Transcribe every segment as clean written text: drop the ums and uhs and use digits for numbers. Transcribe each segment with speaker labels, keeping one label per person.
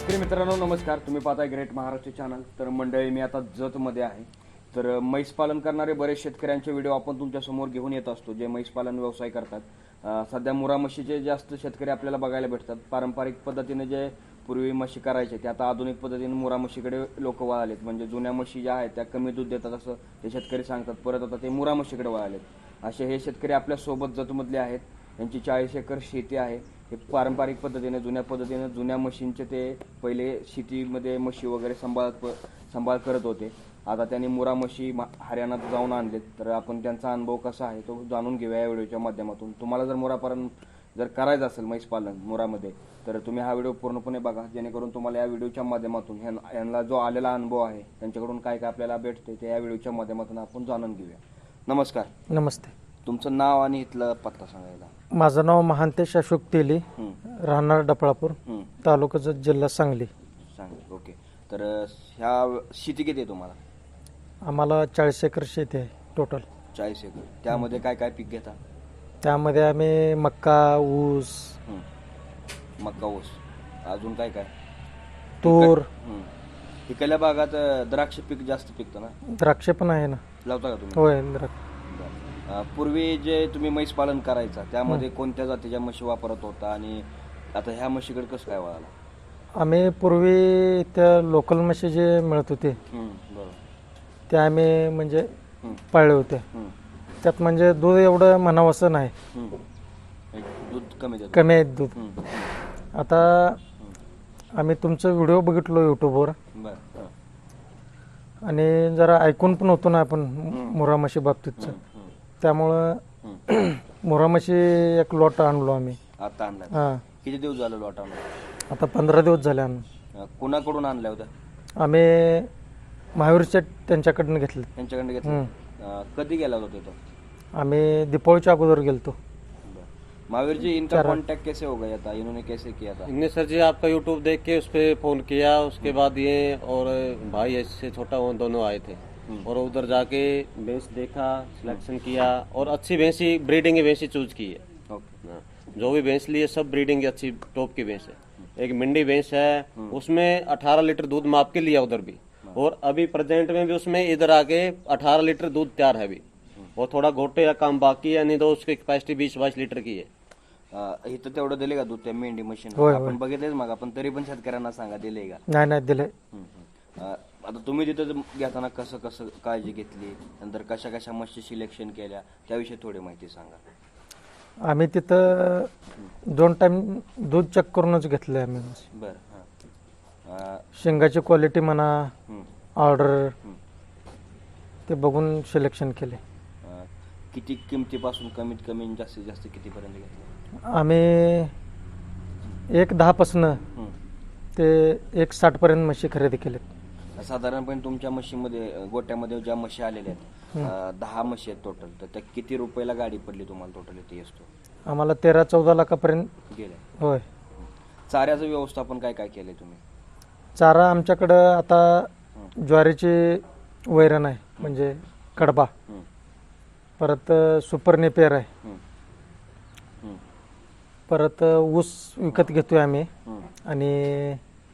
Speaker 1: शेतकरी मित्रांनो नमस्कार. तुम्ही पाहताय ग्रेट महाराष्ट्र चॅनल. तर मंडळी मी आता जतमध्ये आहे. तर म्हैस पालन करणारे बरेच शेतकऱ्यांचे व्हिडिओ आपण तुमच्यासमोर घेऊन येत असतो जे म्हैस पालन व्यवसाय करतात. सध्या मुरा म्हशीचे जास्त शेतकरी आपल्याला बघायला भेटतात. पारंपरिक पद्धतीने जे पूर्वी म्हशी करायचे ते आता आधुनिक पद्धतीने मुरा म्हशीकडे लोक वळालेत. म्हणजे जुन्या म्हशी ज्या आहेत त्या कमी दूध देतात असं ते शेतकरी सांगतात. परत आता ते मुरा म्हशीकडे वळालेत. असे हे शेतकरी आपल्या सोबत जतमधले आहेत. यांची 40 एकर शेती आहे. हे पारंपरिक पद्धतीने जुन्या म्हशींचे ते पहिले शेतीमध्ये म्हशी वगैरे सांभाळ करत होते. आता त्यांनी मुरा म्हशी हरियाणात जाऊन आणलेत. तर आपण त्यांचा अनुभव कसा आहे तो जाणून घेऊया या व्हिडिओच्या माध्यमातून. तुम्हाला जर मुरापालन जर करायचं असेल म्हैस पालन मुरामध्ये तर तुम्ही हा व्हिडिओ पूर्णपणे बघा, जेणेकरून तुम्हाला या व्हिडिओच्या माध्यमातून यांना जो आलेला अनुभव आहे त्यांच्याकडून काय काय आपल्याला भेटते ते या व्हिडिओच्या माध्यमातून आपण जाणून घेऊया. नमस्कार.
Speaker 2: नमस्ते.
Speaker 1: तुमचं नाव आणि इथलं पत्ता सांगायला.
Speaker 2: माझं नाव महांतेश अशोक तेली, राहणार डपळापूर, तालुका जत, जिल्हा सांगली.
Speaker 1: सांगली. ओके. तर ह्या शेती किती आहे तुम्हाला?
Speaker 2: आम्हाला 40 एकर शेती आहे टोटल.
Speaker 1: 40 एकर. त्यामध्ये काय काय पीक घेता?
Speaker 2: त्यामध्ये आम्ही मक्का, ऊस,
Speaker 1: मक्का, ऊस, अजून काय काय?
Speaker 2: तूर.
Speaker 1: इकडल्या भागात द्राक्ष पीक जास्त पिकतं ना?
Speaker 2: द्राक्ष पण आहे ना.
Speaker 1: लावता का तुम्ही?
Speaker 2: होय, द्राक्ष.
Speaker 1: पूर्वी जे तुम्ही म्हैस पालन करायचा त्यामध्ये कोणत्या जातीच्या म्हशी वापरत होता आणि आता ह्या म्हशीकडे कसं काय वळाला?
Speaker 2: आम्ही पूर्वी त्या लोकल म्हशी जे मिळत होते
Speaker 1: बरोबर,
Speaker 2: त्या आम्ही म्हणजे पाळले होते. त्यात म्हणजे दूध एवढं म्हणावं असं नाही,
Speaker 1: दूध
Speaker 2: कमी आहे दूध. आता आम्ही तुमचं व्हिडिओ बघितलो यूट्यूबवर आणि जरा ऐकून पण होतो ना आपण मुरा म्हशी बाबतीतचं. त्यामुळं मुरा म्हशी एक लॉट आणलो आम्ही.
Speaker 1: आता आणला?
Speaker 2: हां.
Speaker 1: किती दिवस झालं लॉट आणला?
Speaker 2: आता 15 दिवस झाले आणून.
Speaker 1: कुणाकडून आणल्या होत्या?
Speaker 2: आम्ही महावीरच्या त्यांच्याकडनं घेतले.
Speaker 1: त्यांच्याकडनं घेतलं. कधी गेला होता तिथं?
Speaker 2: आम्ही दीपावलीच्या अगोदर गेलतो.
Speaker 1: महावीर जी, इनका कांटेक्ट कैसे हो गया था? इन्होंने कैसे किया था?
Speaker 3: इनने सर जी आपका यूट्यूब देख के उस पर फोन किया. उसके बाद ये और भाई ऐसे छोटा वो दोनों आए थे और उधर जाके भैंस देखा, सिलेक्शन किया और अच्छी भैंसी ब्रीडिंग की भैंसी चूज की है. हाँ, जो भी भैंस ली है सब ब्रीडिंग की अच्छी टॉप की भैंस है. एक मिंडी भैंस है, उसमें 18 लीटर दूध माप के लिया उधर भी, और अभी प्रेजेंट में भी उसमें इधर आके 18 लीटर दूध तैयार है अभी. और थोड़ा घोटे का काम बाकी है, नहीं तो उसकी कैपेसिटी 20-22 लीटर की है.
Speaker 1: इथं तेवढं दिले का दूध त्या मेंढी मशीन? आपण बघितलेच मग आपण, तरी पण शेतकऱ्यांना सांगा दिले का?
Speaker 2: नाही दिले.
Speaker 1: आता तुम्ही तिथं घेताना कसं कसं काळजी घेतली, नंतर कशा कशा म्हशी सिलेक्शन केल्या त्याविषयी थोडी माहिती सांगा.
Speaker 2: आम्ही तिथं 2 टाइम दूध चेक करूनच घेतलंय आम्ही.
Speaker 1: बरं.
Speaker 2: शेंगाची क्वालिटी म्हणा, ऑर्डर ते बघून सिलेक्शन केले.
Speaker 1: किती किमतीपासून कमीत कमी जास्तीत जास्त कितीपर्यंत घेतलं?
Speaker 2: आम्ही 1.10 पासून ते 1.60 पर्यंत म्हशी खरेदी केले.
Speaker 1: साधारणपणे तुमच्या म्हशीमध्ये गोट्यामध्ये ज्या म्हशी आलेल्या आहेत 10 म्हशी आहेत टोटल, तर त्या किती रुपयाला गाडी पडली तुम्हाला टोटल इथे असतो?
Speaker 2: आम्हाला 13-14 लाखापर्यंत
Speaker 1: गेले.
Speaker 2: होय.
Speaker 1: चाऱ्याचं व्यवस्थापन काय काय केलंय तुम्ही?
Speaker 2: चारा आमच्याकडं आता ज्वारीची वैरण आहे, म्हणजे कडबा, परत सुपर नेपियर आहे, परत ऊस विकत घेतोय आम्ही, आणि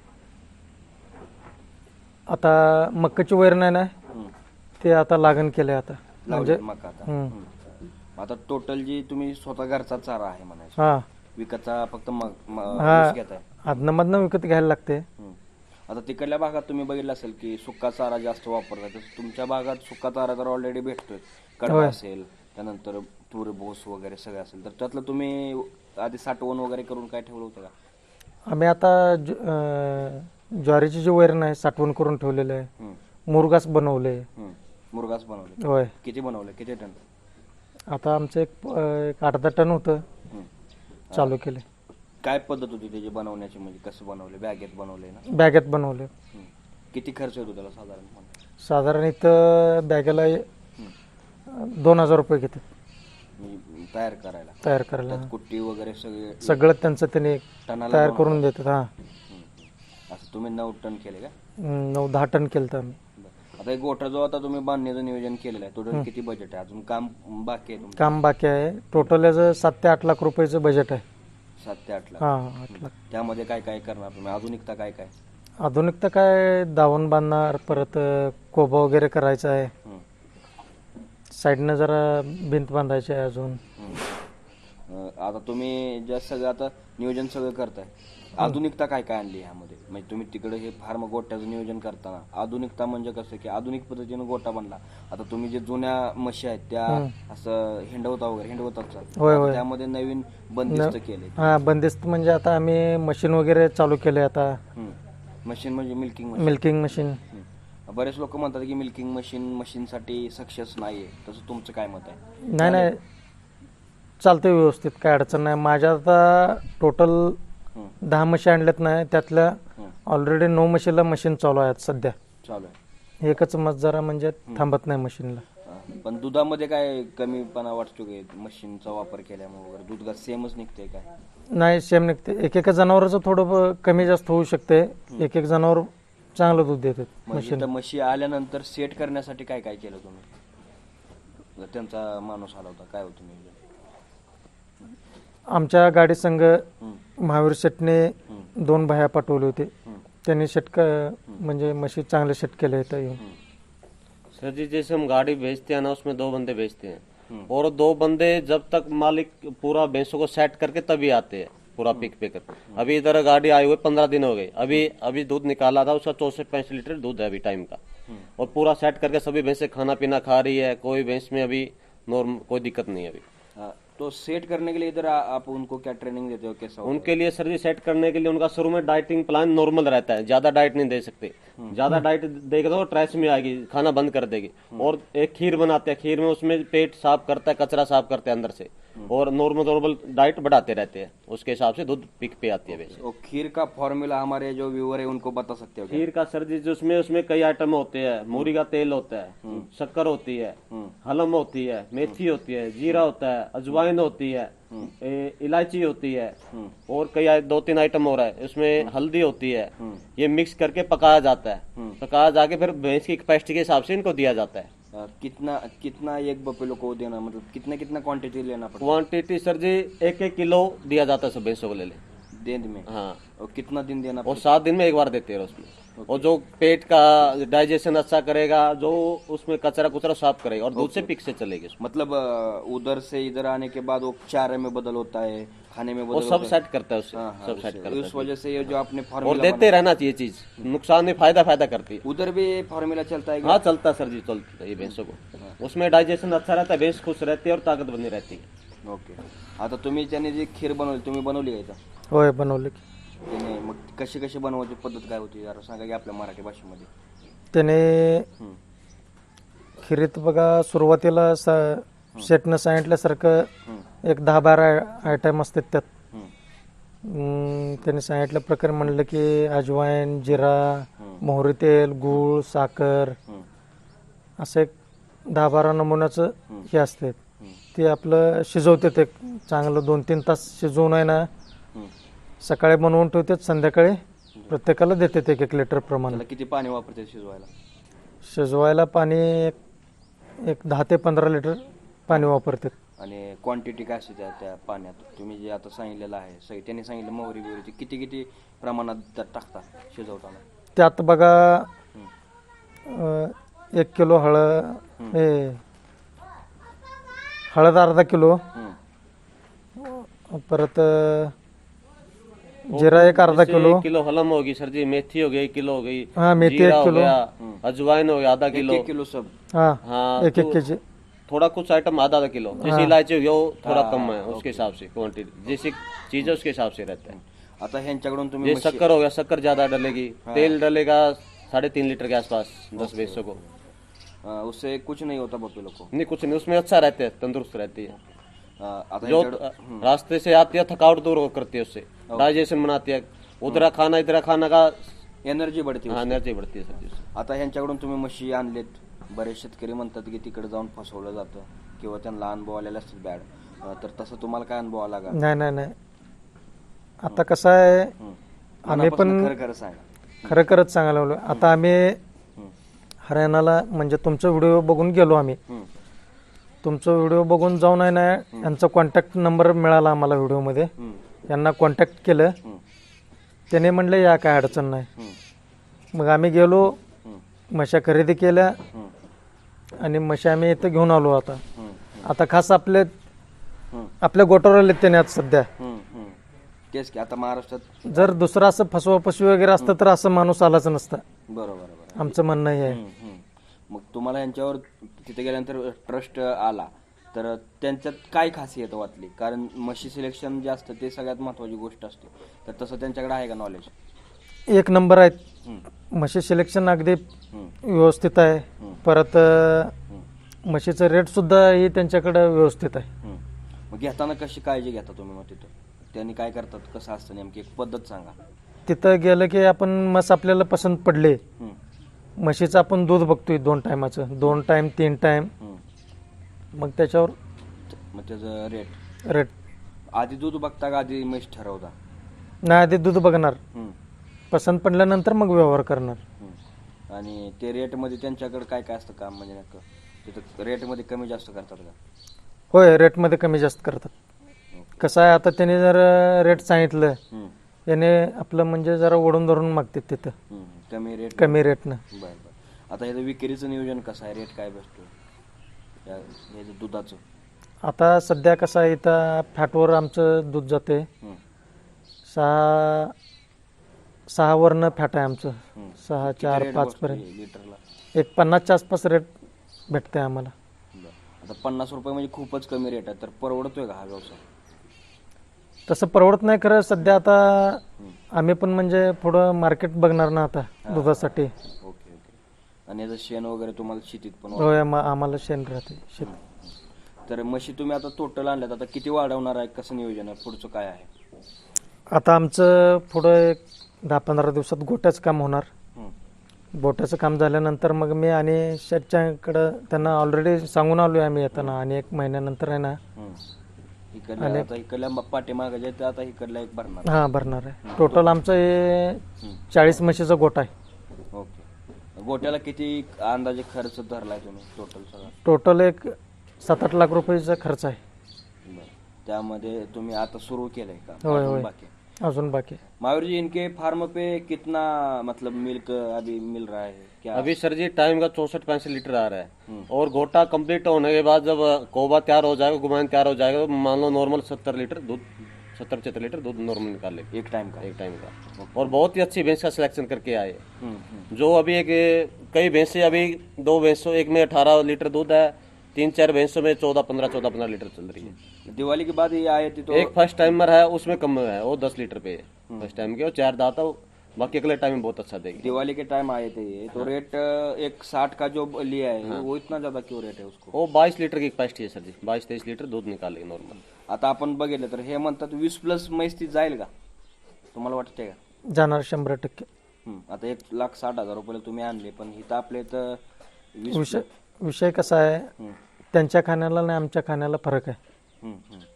Speaker 2: आता मक्काची वैरण आहे ना ते आता लागण केलंय आता. म्हणजे
Speaker 1: मका आता टोटल जी तुम्ही स्वतः घरचा चारा आहे म्हणायचं,
Speaker 2: हा,
Speaker 1: विकतचा फक्त
Speaker 2: हा,
Speaker 1: घेताय?
Speaker 2: आदनमधनं विकत घ्यायला लागते.
Speaker 1: आता तिकडल्या भागात तुम्ही बघितलं असेल की सुका चारा जास्त वापरतात, तर तुमच्या भागात सुका चारा तर ऑलरेडी भेटतोय, कडबा असेल, त्यानंतर तूर भोस वगैरे सगळं असेल, तर त्यातलं तुम्ही आधी साठवण वगैरे करून काय ठेवलं होतं का?
Speaker 2: आम्ही आता ज्वारीची जी वैरण आहे साठवण करून ठेवलेलं आहे. मुरगास बनवले.
Speaker 1: मुरगास बनवले?
Speaker 2: होय.
Speaker 1: किती बनवले? किती टन?
Speaker 2: आता आमचं एक 8-10 टन होतं, चालू केले.
Speaker 1: काय पद्धत होती त्याची बनवण्याची? म्हणजे कसं बनवले? बॅगेत बनवले ना?
Speaker 2: बॅगेत बनवले.
Speaker 1: किती खर्च येतो त्याला साधारण?
Speaker 2: साधारण इथं बॅगेला 2,000 रुपये घेतात
Speaker 1: तयार करायला. कुट्टी वगैरे
Speaker 2: सगळं त्यांचं त्यांनी तयार करून देतात. हा,
Speaker 1: असं तुम्ही 9 टन केले का?
Speaker 2: 9-10 टन केलं तर आम्ही.
Speaker 1: आता एक गोठा जो आता तुम्ही बांधण्याचं नियोजन केलेलं आहे, टोटल किती बजेट आहे? अजून काम बाकी आहे?
Speaker 2: काम बाकी आहे. टोटल याचं 7 ते 8 लाख रुपयाचं बजेट आहे.
Speaker 1: 7 ते 8 लाख.
Speaker 2: हां 8 लाख.
Speaker 1: त्यामध्ये काय काय करणार तुम्ही? आधुनिकता काय काय?
Speaker 2: आधुनिकता काय दावण बांधणार, परत कोबा वगैरे करायचा आहे,
Speaker 1: हं.
Speaker 2: साईडनं जरा भिंत बांधायची आहे अजून.
Speaker 1: आता तुम्ही जे सगळं आता नियोजन सगळं करताय, आधुनिकता काय काय आणली ह्यामध्ये? म्हणजे तुम्ही तिकडे हे फार्म गोट्याचं नियोजन करताना आधुनिकता म्हणजे कसं की आधुनिक पद्धतीनं गोटा बनला. आता तुम्ही जे जुन्या म्हशी आहेत त्या असं हिंडवतात
Speaker 2: होय होय.
Speaker 1: त्यामध्ये नवीन बंदिस्त केले.
Speaker 2: हां बंदिस्त म्हणजे आता आम्ही मशीन वगैरे चालू केले आता.
Speaker 1: मशीन म्हणजे मिल्किंग
Speaker 2: मिल्किंग मशीन.
Speaker 1: बरेच लोक म्हणतात की मिल्किंग मशीनसाठी सक्सेस नाहीये, तसं तुमचं काय मत आहे?
Speaker 2: नाही चालते व्यवस्थित, काय अडचण नाही. माझ्या आता टोटल 10 म्हशी आणल्यात नाही, त्यातल्या ऑलरेडी 9 म्हशीला मशीन चालू आहेत सध्या.
Speaker 1: चालू आहे.
Speaker 2: एकच मत जरा म्हणजे थांबत नाही मशीनला.
Speaker 1: पण दुधामध्ये काय कमीपणा वाटतो की मशीनचा वापर केल्यामुळे वगैरे दूध का सेमच निघते काय?
Speaker 2: नाही सेम निघते. एक जनावराचं थोडं कमी जास्त होऊ शकते. एक जनावर चांगलं दूध देतात.
Speaker 1: म्हणजे म्हशी आल्यानंतर सेट करण्यासाठी काय काय केलं तुम्ही? त्यांचा माणूस आला होता, काय होतं नियोजन?
Speaker 2: आमच्या गाडी संघ महावीर शेटने 2 बाया पाठवले होते. त्यांनी शेट म्हणजे म्हशी चांगले सेट केले होते.
Speaker 3: सर जी जैसे हम गाड़ी भेजते हैं ना, उसमें 2 बंदे भेजते हैं और 2 बंदे जब तक मालिक पूरा भैंसों को सेट करके तभी आते हैं पूरा पिक पे कर. अभी इधर गाड़ी आई हुई 15 दिन हो गए, अभी दूध निकाला था, उसका 64-65 लीटर दूध है अभी टाइम का, और पूरा सेट करके सभी भैंसें खाना पीना खा रही है, कोई भैंस में अभी नॉर्मल कोई दिक्कत नहीं है अभी.
Speaker 1: तो सेट करने के लिए इधर आप उनको क्या ट्रेनिंग देते हो, कैसा?
Speaker 3: उनके लिए सर जी सेट करने के लिए उनका शुरू में डाइटिंग प्लान नॉर्मल रहता है, ज्यादा डाइट नहीं दे सकते. ज्यादा डाइट देगा तो ट्रेस में आएगी, खाना बंद कर देगी. और एक खीर बनाते हैं, खीर में उसमें पेट साफ करता है, कचरा साफ करते हैं अंदर से, और नॉर्मल डाइट बढ़ाते रहते हैं. उसके हिसाब से दूध पिक पे आती है वैसे.
Speaker 1: और खीर का फॉर्मूला हमारे जो व्यूअर है उनको बता सकते हो क्या?
Speaker 3: खीर का सर जी उसमें कई आइटम होते हैं. मूरी का तेल होता है, शक्कर होती है, हलम होती है, मेथी होती है, जीरा होता है, अजवाइन होती है, इलायची होती है, और कई 2-3 आइटम हो रहा है. उसमें हल्दी होती है. ये मिक्स करके पकाया जाता है. पकाया जाके फिर भैंस की कैपेसिटी के हिसाब से इनको दिया जाता है.
Speaker 1: कितना एक बफेलो को देना, मतलब कितना क्वांटिटी लेना पड़ता
Speaker 3: क्वांटिटी सर जी 1-1 किलो दिया जाता है सब भैंसों को ले
Speaker 1: दिन में?
Speaker 3: हाँ.
Speaker 1: और कितना दिन देना
Speaker 3: और 7 दिन में एक बार देते हैं उसमें. और जो पेट का डाइजेशन अच्छा करेगा, जो उसमें कचरा कुचरा साफ करेगा, और दूध से पिक से चलेगी.
Speaker 1: मतलब उधर से इधर आने के बाद वो चारे में बदल होता है, खाने में
Speaker 3: वो
Speaker 1: बदल
Speaker 3: सब
Speaker 1: होता
Speaker 3: सेट करता है उससे.
Speaker 1: है.
Speaker 3: सब सेट करता
Speaker 1: उस वजह से ये जो आपने
Speaker 3: है, और
Speaker 1: फॉर्मूला
Speaker 3: देते रहना चाहिए चीज. नुकसान नहीं, फायदा करती है.
Speaker 1: उधर भी फॉर्मूला चलता है क्या?
Speaker 3: हाँ चलता है सर जी, चलता है ये भैंसों को. उसमें डाइजेशन अच्छा रहता है, भैंस खुश रहती है और ताकत बनी रहती है.
Speaker 1: ओके. आता तुम्ही त्याने जी खीर बनवली, तुम्ही बनवली आहे का?
Speaker 2: होय बनवले की.
Speaker 1: त्याने मग कशी बनवायची पद्धत काय होती जरा सांगा की आपल्या मराठी भाषेमध्ये.
Speaker 2: त्याने खिरीत बघा सुरुवातीला शेटनं सांगितल्यासारखं एक 10-12 आयटम असतात त्यात. त्यांनी सांगितल्या प्रकारे म्हणलं की अजवाईन, जिरा, मोहरी तेल, गूळ, साखर असं एक 10-12 नमुन्याचं हे असते. ते आपलं शिजवते, ते चांगलं 2-3 तास शिजवून आहे ना, सकाळी बनवून ठेवतात, संध्याकाळी प्रत्येकाला देतात 1-1 लिटर प्रमाणे.
Speaker 1: त्याला किती पाणी वापरते शिजवायला?
Speaker 2: शिजवायला पाणी एक 10 ते 15 लिटर पाणी वापरतात.
Speaker 1: आणि क्वांटिटी काय असते त्या पाण्यात? तुम्ही जे आता सांगितलेलं आहे, त्यांनी सांगितलं मोहरी बिहरीची किती प्रमाणात त्यात टाकता शिजवताना?
Speaker 2: त्यात बघा 1 किलो हळद अर्धा किलो, परत जीरा एक अर्धा किलो,
Speaker 3: 1 किलो हलम होगी सर जी, मेथी हो गई 1 किलो हो गई,
Speaker 2: हाँ मेथी
Speaker 3: जीरा
Speaker 2: 1
Speaker 3: हो
Speaker 2: किलो,
Speaker 3: गया, अजवाइन हो गया आधा किलो,
Speaker 1: 1 किलो सब.
Speaker 2: हाँ
Speaker 3: हाँ
Speaker 2: 1-1 केजी.
Speaker 3: थोड़ा कुछ आइटम आधा किलो, जैसे इलायची हो गया वो थोड़ा कम है, उसके हिसाब से क्वांटिटी जैसी चीज है उसके हिसाब से रहता है.
Speaker 1: आता ह्यांच्याकडून तुम्ही
Speaker 3: ये शक्कर हो गया, शक्कर ज्यादा डलेगी, तेल डलेगा 3.5 लीटर के आसपास 10 भैंसों को.
Speaker 1: उससे कुछ नहीं होता बफेलो को?
Speaker 3: नहीं कुछ नहीं, उसमें अच्छा रहते हैं, तंदुरुस्त रहती है.
Speaker 1: आता
Speaker 3: जो रास्ते से आती है थकावट दूर करती है, उससे डाइजेशन बनाती है. उधर खाना का
Speaker 1: एनर्जी बढ़ती है.
Speaker 3: एनर्जी बढ़ती है सर जी.
Speaker 1: आता ह्यांच्याकडून तुम्ही म्हशी आणलेत, बरेच शेतकरी म्हणतात की तिकडे जाऊन फसवलं जातं किंवा त्यांना अनुभव आलेला असतात बॅड, तर तसं तुम्हाला काय अनुभव आला का?
Speaker 2: नाही आता कसं आहे, आम्ही पण
Speaker 1: खरं सांगा.
Speaker 2: खरंच सांगायला लागलो. आता आम्ही हरियाणाला म्हणजे तुमचा व्हिडिओ बघून गेलो आम्ही. तुमचा व्हिडिओ बघून जाऊन आहे ना, यांचा कॉन्टॅक्ट नंबर मिळाला आम्हाला व्हिडिओमध्ये. यांना कॉन्टॅक्ट केलं. त्याने म्हणलं या काय अडचण नाही. मग आम्ही गेलो, म्हशा खरेदी केल्या आणि म्हशी आम्ही इथं घेऊन आलो. आता खास आपल्या गोटावर आले त्याने आज सध्या.
Speaker 1: तेच की आता महाराष्ट्रात
Speaker 2: जर दुसरं असं फसवा फसवी वगैरे असतं तर असं माणूस आलाच नसता.
Speaker 1: बरोबर.
Speaker 2: आमचं म्हणणं हे आहे.
Speaker 1: मग तुम्हाला यांच्यावर तिथे गेल्यानंतर ट्रस्ट आला तर त्यांच्यात काय खासियत वाटली? कारण म्हशी सिलेक्शन जे असतं ते सगळ्यात महत्वाची गोष्ट असते, तर तसं त्यांच्याकडे आहे का नॉलेज?
Speaker 2: एक नंबर आहेत. म्हशी सिलेक्शन अगदी व्यवस्थित आहे. परत म्हशीचं रेट सुद्धा ही त्यांच्याकडे व्यवस्थित आहे.
Speaker 1: मग घेताना कशी काळजी घेता तुम्ही? मग तिथं त्यांनी काय करतात, कसं असतं नेमकी एक पद्धत सांगा.
Speaker 2: तिथं गेलं की आपण म्हस आपल्याला पसंत पडले, म्हशीचं आपण दूध बघतोय 2 टायमाचं, 2 टाइम 3 टाइम. मग त्याच्यावर
Speaker 1: मग त्याचं रेट
Speaker 2: रेट
Speaker 1: आधी दूध बघता का आधी म्हैस ठरवता?
Speaker 2: नाही, आधी दूध बघणार, पसंत पडल्यानंतर मग व्यवहार करणार.
Speaker 1: आणि ते रेटमध्ये त्यांच्याकडे काय काय असतं काम? म्हणजे नक्की तिथं रेटमध्ये कमी जास्त करतात का?
Speaker 2: होय, रेटमध्ये कमी जास्त करतात. कसं आहे, आता त्याने जर रेट सांगितलं, याने आपलं म्हणजे जरा ओढून धरून मागतात तिथं कमी रेटनं.
Speaker 1: बरं. आता ह्याचं विक्रीचं नियोजन कसं आहे? रेट काय बसतो ह्याचं दुधाचं?
Speaker 2: आता सध्या कसं आहे, इथं फॅटवर आमचं दूध जाते. 6 वरनं फॅट आहे आमचं. 6, 4, 5 पर्यंत
Speaker 1: लिटरला
Speaker 2: एक 50च्या आसपास रेट भेटते आम्हाला.
Speaker 1: आता 50 रुपये म्हणजे खूपच कमी रेट आहे, तर परवडतोय का हा व्यवसाय?
Speaker 2: तसं परवडत नाही खरं सध्या. आता आम्ही पण म्हणजे पुढं मार्केट बघणार ना आता दुधासाठी.
Speaker 1: ओके. आणि याचं शेण वगैरे तुम्हाला शेतीत पण
Speaker 2: होय, आम्हाला शेण राहते शेत.
Speaker 1: तर म्हशी तुम्ही आता टोटल आणल्यात, आता किती वाढवणार आहे? कसं नियोजन आहे? पुढचं काय आहे?
Speaker 2: आता आमचं पुढं एक 10-15 दिवसात गोट्याचं काम होणार. गोट्याचं काम झाल्यानंतर मग मी आणि शेतच्याकडं त्यांना ऑलरेडी सांगून आलो आहे आम्ही येताना. आणि 1 महिन्यानंतर आहे ना
Speaker 1: इकडल्या पाठीमागे जे आता इकडला एक भरणार.
Speaker 2: हां, भरणार आहे. टोटल आमचं हे 40 म्हशीचा गोटा आहे.
Speaker 1: ओके. गोट्याला किती अंदाजे खर्च धरलाय तुम्ही टोटल सगळा?
Speaker 2: टोटल एक 7-8 लाख रुपयाचा खर्च आहे.
Speaker 1: त्यामध्ये तुम्ही आता सुरू केलंय का?
Speaker 2: होय,
Speaker 1: बाकी
Speaker 2: अजून बाकी.
Speaker 1: महावीर जी, इनके फार्म पे कितना मतलब मिल्क अभी मिल रहा है क्या?
Speaker 3: अभी सर जी टाइम का 64-65 लीटर आ रहा है। और गोटा कंप्लीट होने के बाद जब कोबा तैयार हो जाएगा, गुमान तैयार हो जाएगा, तो मान लो नॉर्मल 70 लीटर दूध, 70-75 लीटर दूध नॉर्मल निकाल लेगी
Speaker 1: एक टाइम
Speaker 3: का। और बहुत ही अच्छी भैंस का सिलेक्शन करके आए। जो अभी कई भैंसे, अभी 2 भैंसों एक में 18 लीटर दूध है, 3-4 भैंसों में 14-15 लीटर चल रही है।
Speaker 1: दिवाली के बाद ये आए थे तो
Speaker 3: एक फर्स्ट टाइमर है, उसमें कम है, वो 10 लीटर पे है फर्स्ट टाइम के, और 4 दाता, बाकी अगले टाइम में बहुत अच्छा देगी।
Speaker 1: दिवाली के टाइम आए थे ये तो रेट एक 60 का जो लिया है वो इतना ज्यादा क्यों रेट है उसको?
Speaker 3: वो 22 लीटर की कैपेसिटी है सर जी, 22-23 लीटर दूध निकालेगी नॉर्मल।
Speaker 1: आता आपण बघितलं तर हे म्हणतात 20+ म्हैस ती जाईल का? तुम्हाला वाटतंय का?
Speaker 2: जाणार 100%.
Speaker 1: आता 1,60,000 रुपयाला तुम्ही आणले, पण इथं आपले तर 20
Speaker 2: विषय कसा आहे, त्यांच्या खाण्याला आणि आमच्या खाण्याला फरक आहे.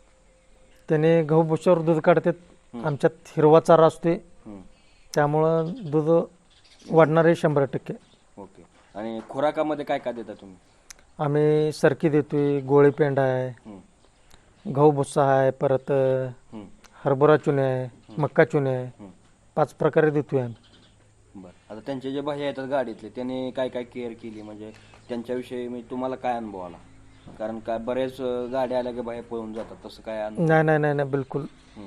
Speaker 2: त्याने गहू भुशावर दूध काढतात, आमच्यात हिरवा चारा असते, त्यामुळं दूध वाढणारे 100%.
Speaker 1: ओके. आणि खुराकामध्ये काय काय देता तुम्ही?
Speaker 2: आम्ही सरकी देतोय, गोळी पेंड आहे, गहू भुस्सा आहे, परत हरभरा चुने आहे, मक्का चुने आहे, 5 प्रकारे देतोय आम्ही.
Speaker 1: बरं. आता त्यांचे जे भैया येतात गाडीतले, त्याने काय काय केअर केली, म्हणजे त्यांच्याविषयी म्हणजे तुम्हाला काय अनुभव आला? कारण काय बरेच गाड्या आल्या की भैया पळून जातात, तसं काय अनुभव?
Speaker 2: नाही बिलकुल.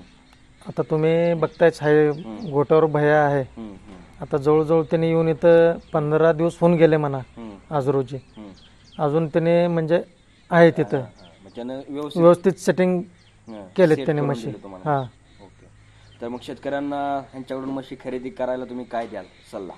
Speaker 2: आता तुम्ही बघतायच आहे, गोट्यावर भैया आहे. आता जवळजवळ त्याने येऊन इथं 15 दिवस होऊन गेले म्हणा आज रोजी. अजून त्याने म्हणजे आहे तिथं व्यवस्थित सेटिंग केलेत त्याने म्हशी. हां.
Speaker 1: ओके. तर मग शेतकऱ्यांना ह्यांच्याकडून म्हशी खरेदी करायला तुम्ही काय द्याल सल्ला?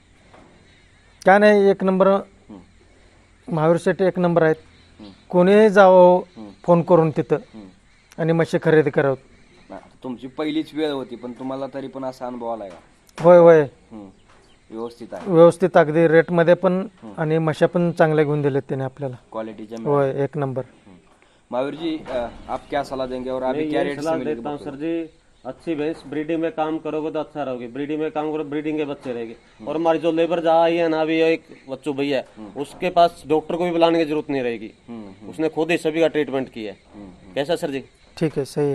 Speaker 2: काय नाही, 1 नंबर महावीर शेट्टी 1 नंबर आहेत. कोणीही जावं फोन करून तिथं आणि म्हशी खरेदी करावं.
Speaker 1: तुमची पहिलीच वेळ होती, पण तुम्हाला तरी पण असा अनुभव आलाय का?
Speaker 2: होय
Speaker 1: व्यवस्थित आहे,
Speaker 2: व्यवस्थित अगदी रेटमध्ये पण, आणि म्हशा पण चांगल्या घेऊन दिलेत त्याने आपल्याला
Speaker 1: क्वालिटीच्या.
Speaker 2: होय, 1 नंबर.
Speaker 1: महावीर जी, आप क्या सलाह देंगे और अभी क्या रेट से मिलेगी?
Speaker 3: देता हूँ सर जी, अच्छी भैंस ब्रीडिंग में काम करोगे तो अच्छा रहोगे, ब्रीडिंग में काम करो ब्रीडिंग के बच्चे रहेंगे। और हमारी जो लेबर जहाँ आई है ना, अभी एक बच्चों भैया, उसके पास डॉक्टर को भी बुलाने की जरूरत नहीं रहेगी, उसने खुद ही सभी का ट्रीटमेंट किया है। कैसा सर जी?
Speaker 2: ठीक है, सही है.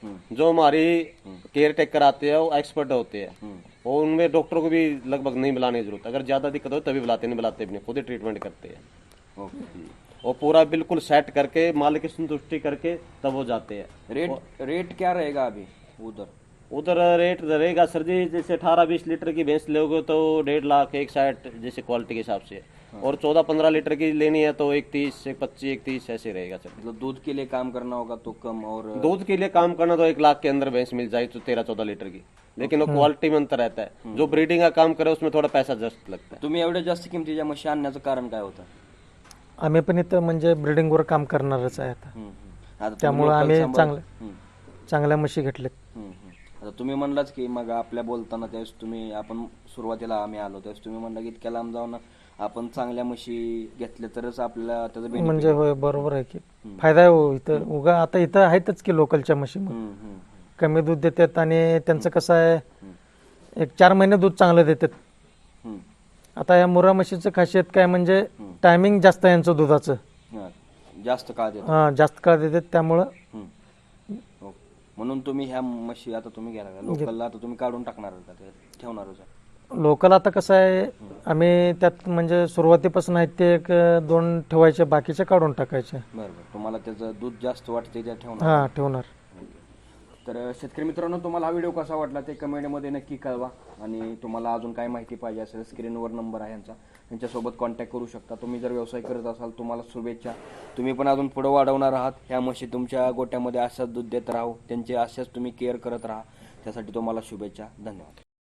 Speaker 3: जो हमारी केयर टेकर आते हैं वो एक्सपर्ट होते हैं, और उनमें डॉक्टर को भी लगभग नहीं बुलाने की जरूरत। अगर ज्यादा दिक्कत हो तभी बुलाते, नहीं बुलाते भी नहीं, खुद ही ट्रीटमेंट करते हैं।
Speaker 1: ओके।
Speaker 3: और पूरा बिल्कुल सेट करके मालिक की संतुष्टि करके तब वो जाते हैं।
Speaker 1: रेट क्या रहेगा अभी उधर?
Speaker 3: उधर रेट रहेगा सर जी, जैसे 18-20 लीटर की भैंस लोगे तो 1.5 लाख 1.60 जैसे क्वालिटी के हिसाब से, और 14-15 लीटर की लेनी है तो 1.30 1.25 1.30 ऐसे रहेगा सर।
Speaker 1: मतलब दूध के लिए काम करना होगा तो कम, और
Speaker 3: दूध के लिए काम करना तो 1 लाख के अंदर भैंस मिल जाए तो 13-14 लीटर की, लेकिन वो क्वालिटी में अंतर रहता है। जो ब्रीडिंग का काम करे उसमें थोड़ा पैसा जास्त लगता है।
Speaker 1: तुम्ही एवढ्या जास्त किमतीच्या म्हशी आणण्याचं कारण काय होतं?
Speaker 2: आम्ही पण इथं म्हणजे ब्रिडिंगवर काम करणारच आहे आता,
Speaker 1: आता तुम्ही
Speaker 2: त्यामुळे
Speaker 1: local
Speaker 2: आम्ही
Speaker 1: सांभाळ-
Speaker 2: चांगल्या म्हशी घेतल्यात.
Speaker 1: आता तुम्ही म्हणलाच की मग आपल्या बोलताना त्यावेळेस तुम्ही, आपण सुरुवातीला आम्ही आलो त्यावेळेस तुम्ही म्हणला की इतक्या लांब जाऊन आपण चांगल्या म्हशी घेतल्या तरच आपल्याला त्याचं benefit
Speaker 2: म्हणजे होय, बरोबर आहे की फायदा आहे हो इथं. उगा आता इथं आहेतच की लोकलच्या म्हशी मग कमी दूध देतात, आणि त्यांचं कसं आहे 1-4 महिने दूध चांगलं देतात. आता या मुर्रा म्हशीचं खासियत काय म्हणजे टायमिंग जास्त आहे यांचं दुधाचं,
Speaker 1: जास्त काळ देतो.
Speaker 2: हा जास्त काळ देतात, त्यामुळं
Speaker 1: ओके. म्हणून तुम्ही ह्या म्हशी आता तुम्ही घ्यायला लोकलला आता तुम्ही काढून टाकणार का ते ठेवणारच आहे?
Speaker 2: लोकल आता कसं आहे आम्ही त्यात म्हणजे सुरुवातीपासून आहेत ते 1-2 ठेवायचे, बाकीचे काढून टाकायचे.
Speaker 1: बरोबर. तुम्हाला त्याचं दूध जास्त वाटते त्या ठेवणार.
Speaker 2: हा ठेवणार.
Speaker 1: तर शेतकरी मित्रांनो, तुम्हाला हा व्हिडिओ कसा वाटला ते कमेंटमध्ये नक्की कळवा, आणि तुम्हाला अजून काय माहिती पाहिजे असेल स्क्रीनवर नंबर आहे यांचा, यांच्यासोबत कॉन्टॅक्ट करू शकता. तुम्ही जर व्यवसाय करत असाल तुम्हाला शुभेच्छा. तुम्ही पण अजून पुढे वाढवणार आहात. ह्या म्हशी तुमच्या गोट्यामध्ये अशाच दूध देत राहू, त्यांचे अशाच तुम्ही केअर करत राहा, त्यासाठी तुम्हाला शुभेच्छा. धन्यवाद.